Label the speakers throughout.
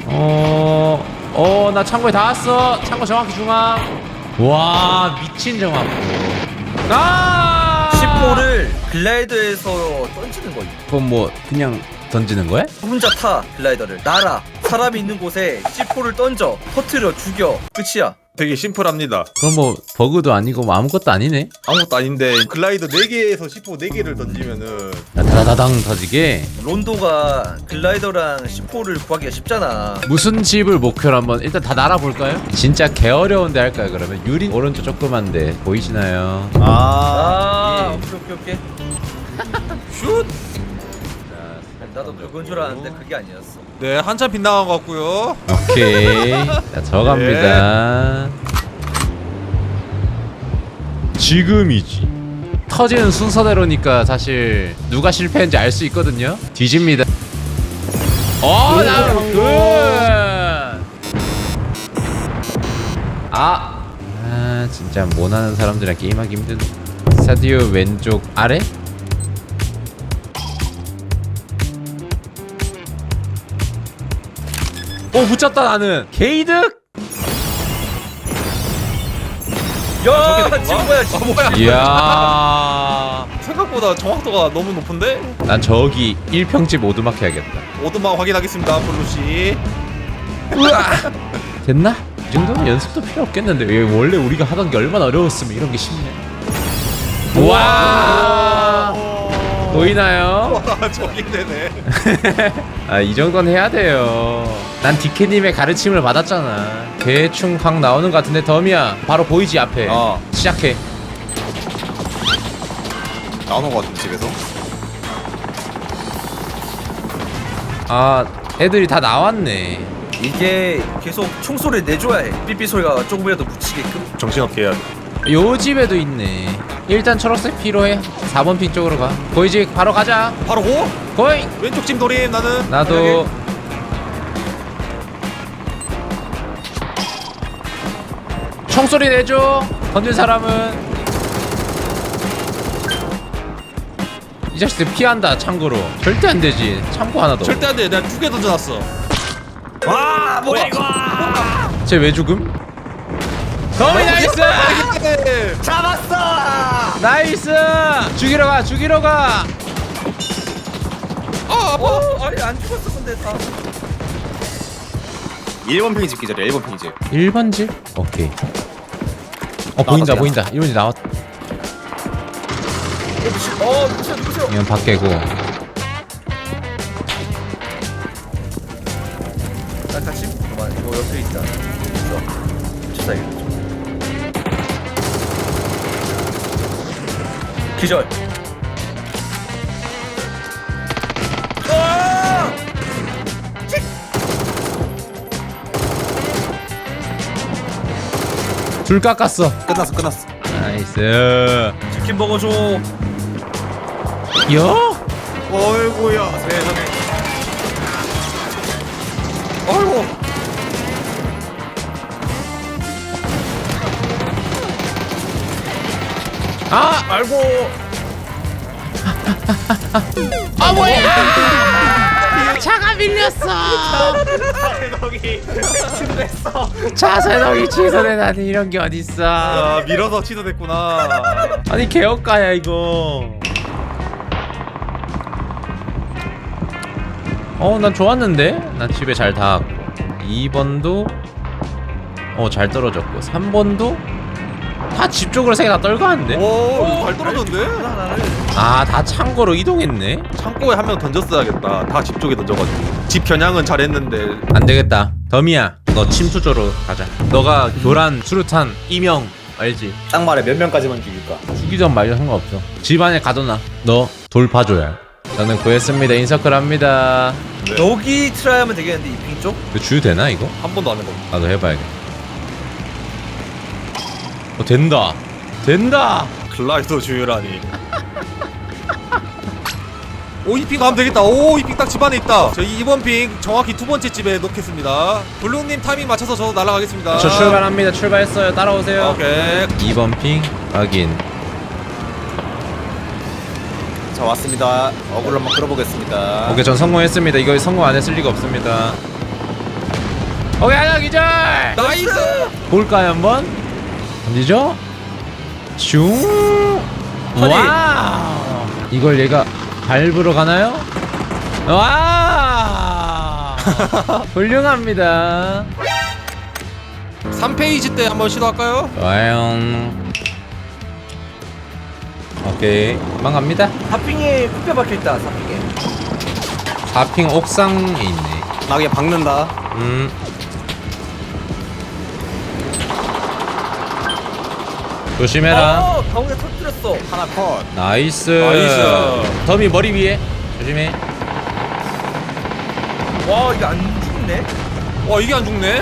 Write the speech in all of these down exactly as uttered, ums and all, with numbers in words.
Speaker 1: 어... 어... 나 창고에 다 왔어. 창고 정확히 중앙. 와 미친 정확. 아!
Speaker 2: 씨포를 글라이더에서 던지는 거임.
Speaker 1: 그건 뭐 그냥 던지는 거야?
Speaker 2: 혼자 타 글라이더를 날아. 사람이 있는 곳에 씨포를 던져 터트려 죽여. 끝이야.
Speaker 3: 되게 심플합니다.
Speaker 1: 그럼 뭐 버그도 아니고 뭐 아무것도 아니네.
Speaker 3: 아무것도 아닌데 글라이더 네 개에서 씨포 네 개를 던지면은
Speaker 1: 다다다당 터지게.
Speaker 2: 론도가 글라이더랑 씨포를 구하기가 쉽잖아.
Speaker 1: 무슨 집을 목표로 한번 일단 다 날아볼까요? 진짜 개 어려운데 할까요 그러면? 유린 오른쪽 조그만데 보이시나요?
Speaker 3: 아,
Speaker 2: 아,
Speaker 3: 예.
Speaker 2: 오케이 오케이 오케이.
Speaker 3: 슛.
Speaker 2: 나도 그건 줄 알았는데 그게 아니었어.
Speaker 3: 네, 한참 빗나간 것 같고요.
Speaker 1: 오케이. 자, 저 갑니다. 지금이지. 터지는 순서대로니까 사실 누가 실패했는지 알 수 있거든요. 뒤집니다. 어, 나 굿. 아, 아, 진짜 못하는 사람들이랑 게임하기 힘든. 스타디오 왼쪽 아래? 오 붙였다 나는. 게이득.
Speaker 2: 야, 지금 뭐야?
Speaker 3: 아, 뭐야?
Speaker 1: 이야.
Speaker 3: 생각보다 정확도가 너무 높은데?
Speaker 1: 난 저기 일평집 오두막 해야겠다.
Speaker 3: 오두막 확인하겠습니다, 블루씨.
Speaker 1: 우와. 됐나? 이 정도면 연습도 필요 없겠는데. 왜 원래 우리가 하던 게 얼마나 어려웠으면 이런 게 쉽네. 우와. 보이나요?
Speaker 3: 와, 저기 되네.
Speaker 1: 아, 이 정도는 해야 돼요. 난 디케님의 가르침을 받았잖아. 대충 각 나오는 것 같은데 덤이야. 바로 보이지 앞에.
Speaker 3: 어.
Speaker 1: 시작해.
Speaker 3: 나오는 것 같은데, 집에서?
Speaker 1: 아, 애들이 다 나왔네.
Speaker 2: 이게 계속 총소리 내줘야 해. 삐삐 소리가 조금이라도 묻히게끔.
Speaker 3: 정신없게 해야 돼.
Speaker 1: 요 집에도 있네. 일단 초록색 필요해. 사 번 핀 쪽으로 가. 보이지? 바로 가자.
Speaker 3: 바로 고!
Speaker 1: 고잉.
Speaker 3: 왼쪽 찜 돌림, 나는.
Speaker 1: 나도. 총소리 내줘. 던진 사람은. 이 자식들 피한다. 참고로 절대 안 되지. 참고 하나 더.
Speaker 3: 절대 안 돼. 내가 두 개 던져놨어.
Speaker 2: 와, 뭐야 이거?
Speaker 1: 쟤 왜 죽음? 더미 나이스!
Speaker 2: 잡았어!
Speaker 1: 나이스! 죽이러 가. 죽이러 가.
Speaker 2: 어, 아니 안 죽었어 근데 다.
Speaker 3: 일 번 팽이 집 기절이야, 일 번 팽이 집.
Speaker 1: 일 번 집? 오케이. 어 보인다
Speaker 3: 나왔다,
Speaker 1: 보인다. 일 번 집 나왔.
Speaker 2: 어, 미친. 어, 미친 누구세요?
Speaker 1: 이건 밖에고.
Speaker 2: 나 같이. 잠깐만, 이거 옆에 있다. 있어. 진짜 이거. 기절. 아! 칙!
Speaker 1: 둘 깎았어.
Speaker 3: 끝났어, 끝났어.
Speaker 1: 나이스.
Speaker 2: 치킨 먹어줘.
Speaker 1: 여?
Speaker 3: 어이구야, 세상에. 어이구.
Speaker 1: 아!
Speaker 2: 알고.
Speaker 1: 아 뭐야! 차가 밀렸어.
Speaker 3: 세상에. 취소됐어.
Speaker 1: 차세동이 취소되다니 이런 게 어딨어?
Speaker 3: 아, 밀어서 취소됐구나.
Speaker 1: 아니 개업가야 이거. 어 난 좋았는데? 난 집에 잘 닿았고 이 번도 어 잘 떨어졌고 삼 번도 다 집 쪽으로 세 개 다 떨가는데?
Speaker 3: 오, 잘 떨어졌는데?
Speaker 2: 하나를.
Speaker 1: 아 다 창고로 이동했네?
Speaker 3: 창고에 한 명 던졌어야겠다. 다 집 쪽에 던져가지고. 집 겨냥은 잘했는데.
Speaker 1: 안되겠다. 더미야 너 침투조로 가자. 너가 교란, 수류탄, 이명 알지?
Speaker 4: 딱 말해 몇 명까지만 죽일까?
Speaker 1: 죽이든 말든 상관없어. 집 안에 가둬놔. 너 돌파줘야. 저는 구했습니다. 인서클 합니다.
Speaker 2: 여기 트라이 하면 되겠는데 이핑 쪽?
Speaker 1: 그 주유 되나 이거?
Speaker 3: 한 번도 안 해봤어.
Speaker 1: 나도 해봐야겠다. 어 된다. 된다.
Speaker 3: 글라이더 주유라니. 오, 이 핑 가면 되겠다. 오, 이 핑 딱 집 안에 있다. 저 이 번 핑 정확히 두 번째 집에 놓겠습니다. 블루님 타이밍 맞춰서 저도 날아가겠습니다.
Speaker 1: 저 출발합니다. 출발했어요. 따라오세요.
Speaker 3: 오케이.
Speaker 1: 이 번 핑 확인.
Speaker 4: 자 왔습니다. 어글 한번 끌어보겠습니다.
Speaker 1: 오케이 전 성공했습니다. 이거 성공 안 했을 리가 없습니다. 오케이 하나 기절.
Speaker 3: 나이스.
Speaker 1: 볼까요 한번? 던지죠? 슝.
Speaker 2: 허니.
Speaker 1: 와우. 이걸 얘가 밟으러 가나요? 와. 훌륭합니다.
Speaker 3: 삼 페이지 때 한번 시도할까요?
Speaker 1: 좋아요. 오케이 금방 갑니다.
Speaker 2: 사핑에 쿠페 박혀있다 사핑에.
Speaker 1: 사핑 옥상에 있네.
Speaker 4: 나 그냥 박는다.
Speaker 1: 음. 조심해라.
Speaker 2: 어 가운데 터뜨렸어.
Speaker 4: 하나 컷.
Speaker 1: 나이스.
Speaker 3: 나이스.
Speaker 1: 더미 머리 위에 조심해.
Speaker 2: 와 이거 안 죽네.
Speaker 3: 와 이게 안 죽네.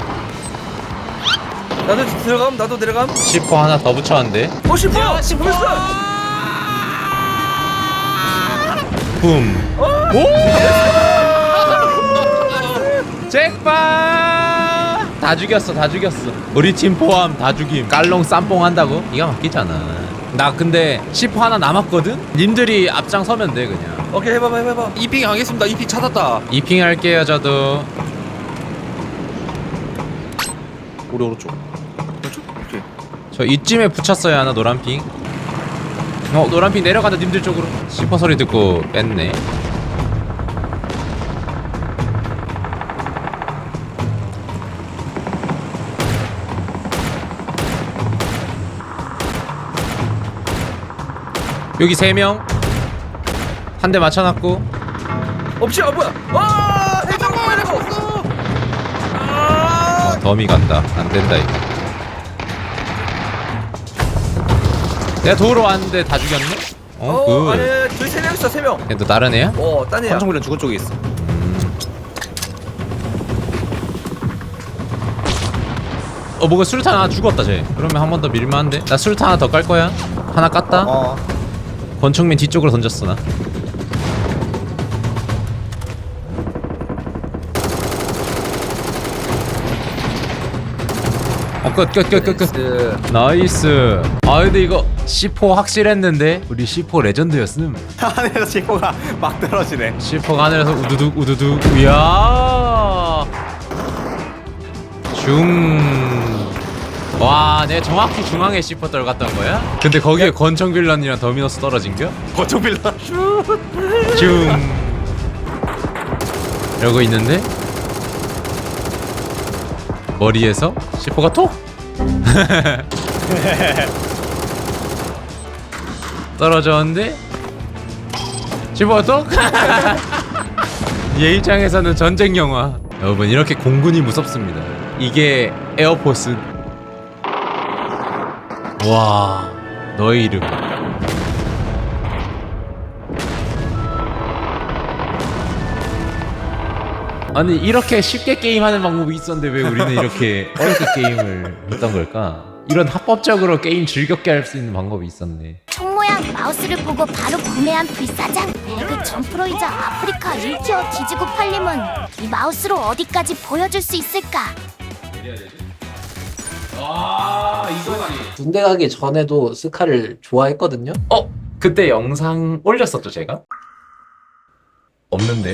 Speaker 2: 나도 들어감 나도 내려감.
Speaker 1: 시퍼 하나 더 붙였는데.
Speaker 2: 어 싶어. 싶어.
Speaker 1: 붐. 오! 잭파! 다 죽였어, 다 죽였어. 우리 팀 포함 다 죽임. 깔롱 쌈뽕 한다고? 이가 막히잖아. 나 근데 시퍼 하나 남았거든? 님들이 앞장서면 돼 그냥.
Speaker 2: 오케이 해봐봐 해봐봐.
Speaker 3: 이핑 하겠습니다. 이핑 찾았다.
Speaker 1: 이핑 할게요 저도.
Speaker 4: 우리 오른쪽.
Speaker 2: 오케이.
Speaker 1: 저 이쯤에 붙였어야 하나 노란핑. 어 노란핑 내려간다 님들 쪽으로. 시퍼 소리 듣고 뺐네. 여기 세 명. 한 대 맞춰놨고.
Speaker 2: 없지 아 뭐야. 아 해줘 해줘. 아.
Speaker 1: 어, 더미 간다. 안 된다 이거. 내가 도우러 왔는데 다 죽였네? 어,
Speaker 2: 어 아니
Speaker 1: 굿.
Speaker 2: 저희 세 명 있어 세 명.
Speaker 1: 걔도 다른 애야?
Speaker 2: 어 딴 애야.
Speaker 4: 권총비는 죽은 쪽에 있어.
Speaker 1: 어, 뭐가 수류탄 하나 죽었다 쟤. 그러면 한 번 더 밀만한데? 나 수류탄 하나 더 깔 거야. 하나 깠다.
Speaker 4: 어.
Speaker 1: 권총민 뒤쪽으로 던졌어 나. 어, 끝, 끝, 끝, 끝, 끝. 나이스. 아, 근데 이거 씨포 확실했는데 우리 씨포 레전드였음.
Speaker 4: 하늘에서 지포가 막 떨어지네.
Speaker 1: 씨포가 하늘에서 우두둑 우두둑. 이야. 중. 와, 내가 정확히 중앙에 씨포 떨갔던 거야? 근데 거기에 권총 빌런이랑 더미너스 떨어진겨?
Speaker 4: 권총빌라.
Speaker 1: 중. 이러고 있는데 머리에서 씨포가 톡. 떨어졌는데 씨포가 톡. 얘 입장에서는 전쟁 영화. 여러분 이렇게 공군이 무섭습니다. 이게 에어포스. 와, 너의 이름. 아니 이렇게 쉽게 게임하는 방법이 있었는데 왜 우리는 이렇게 어렵게 게임을 했던 걸까? 이런 합법적으로 게임 즐겁게 할 수 있는 방법이 있었네.
Speaker 5: 총 모양 마우스를 보고 바로 구매한 불사장. 그 점프로이자 아프리카 일 티어 뒤지고 팔림은 이 마우스로 어디까지 보여줄 수 있을까?
Speaker 1: 아 이거지.
Speaker 6: 군대 가기 전에도 스카를 좋아했거든요.
Speaker 1: 어? 그때 영상 올렸었죠 제가? 없는데.